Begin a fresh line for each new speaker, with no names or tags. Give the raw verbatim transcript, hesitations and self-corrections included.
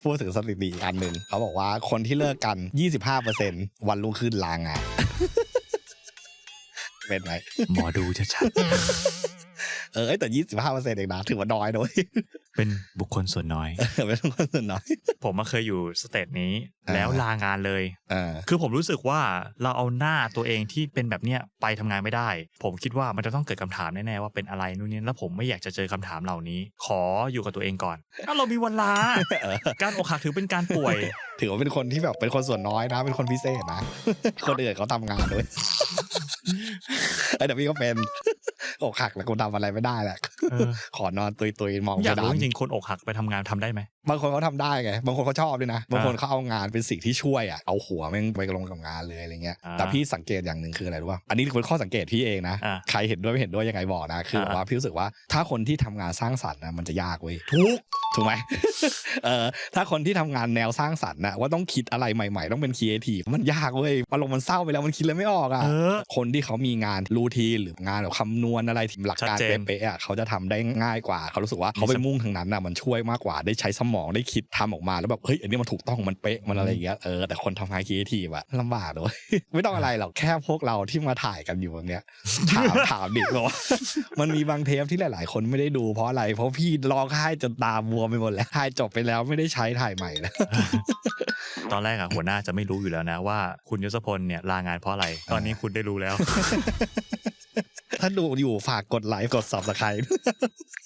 พูดถึงสถิติอีกอันหนึ่งเขาบอกว่าคนที่เลิกกัน ยี่สิบห้าเปอร์เซ็นต์ วันรุ่งขึ้นลางาน เป็นไหม
หมอดูชัด
ๆเออแต่ ยี่สิบห้าเปอร์เซ็นต์ เองนะถือว่าน้อยด้วย
เป็นบุคคลส่วนน้อย
เป็นบุคคลส่วนน้อย
ผมมาเคยอยู่สเตจนี้แล้วลางานเลย
คื
อผมรู้สึกว่าเราเอาหน้าตัวเองที่เป็นแบบเนี้ยไปทำงานไม่ได้ผมคิดว่ามันจะต้องเกิดคำถามแน่ๆว่าเป็นอะไรนู่นนี่แล้วผมไม่อยากจะเจอคำถามเหล่านี้ขออยู่กับตัวเองก่อนถ้าเรามีวันลาการอกหักถือเป็นการป่วย
ถือว่าเป็นคนที่แบบเป็นคนส่วนน้อยนะเป็นคนพิเศษนะคนอื่นเขาทำงานด้วยไอ้เดี๋ยวพี่ก็เป็นอกหักแล้วกูทำอะไรไม่ได้แหละขอนอนตุยๆมองไปดำ
อยากรู้จริงๆคนอกหักไปทำงานทำได้ไหม
บางคนเขาทำได้ไงบางคนเขาชอบด้วยนะบางคนเขาเอางานเป็นสิ่งที่ช่วยอ่ะเอาหัวแม่งไปลงกับงานเลยอะไรเงี้ยแต่พี่สังเกตอย่างหนึ่งคืออะไรรู้ป่ะอันนี้เป็นข้อสังเกตพี่เองนะใครเห็นด้วยไม่เห็นด้วยยังไงบอกนะคือว่าพี่รู้สึกว่าถ้าคนที่ทำงานสร้างสรรค์นะมันจะยากเว้ย
ทุก
ถูกไหมเออถ้าคนที่ทำงานแนวสร้างสรรค์นะว่าต้องคิดอะไรใหม่ๆต้องเป็นครีเอทีฟมันยากเว้ยอารมณ์มันเศร้าไปแล้วมันคิดเลยไม่ออกอ่ะคนที่เขามีงานรูทีนหรืองานแบบคำนวณอะไรที่หลักการเป๊ะๆอ่ะเขาจะทำได้ง่ายกว่าเขารู้สึกว่าเขาไปมุ่งทางนั้นน่ะมันช่วยมากกว่าได้ใช้สมองได้คิดทำออกมาแล้วแบบเฮ้ยอันนี้มันถูกต้องมันเป๊ะมันอะไรอย่างเงี้ยเออแต่คนทำงานครีเอทีฟอะลำบากเลยไม่ต้องอะไรหรอกแค่พวกเราที่มาถ่ายกันอยู่แบบเนี้ยถามถามดิว่ามันมีบางเทปที่หลายๆคนไม่ได้ดูเพราะอะไรเพราะพี่ร้องไห้จนตาบวมไปหมดแล้วถ่ายจบไปแล้วไม่ได้ใช้ถ่ายใหม่แล้ว
ตอนแรกอะหัวหน้าจะไม่รู้อยู่แล้วนะว่าคุณยศพลเนี่ยลางานเพราะอะไรตอนนี้คุณได้รู้แล้ว
ถ้าดูอยู่ฝากกดไลค์กด ซับสไครบ์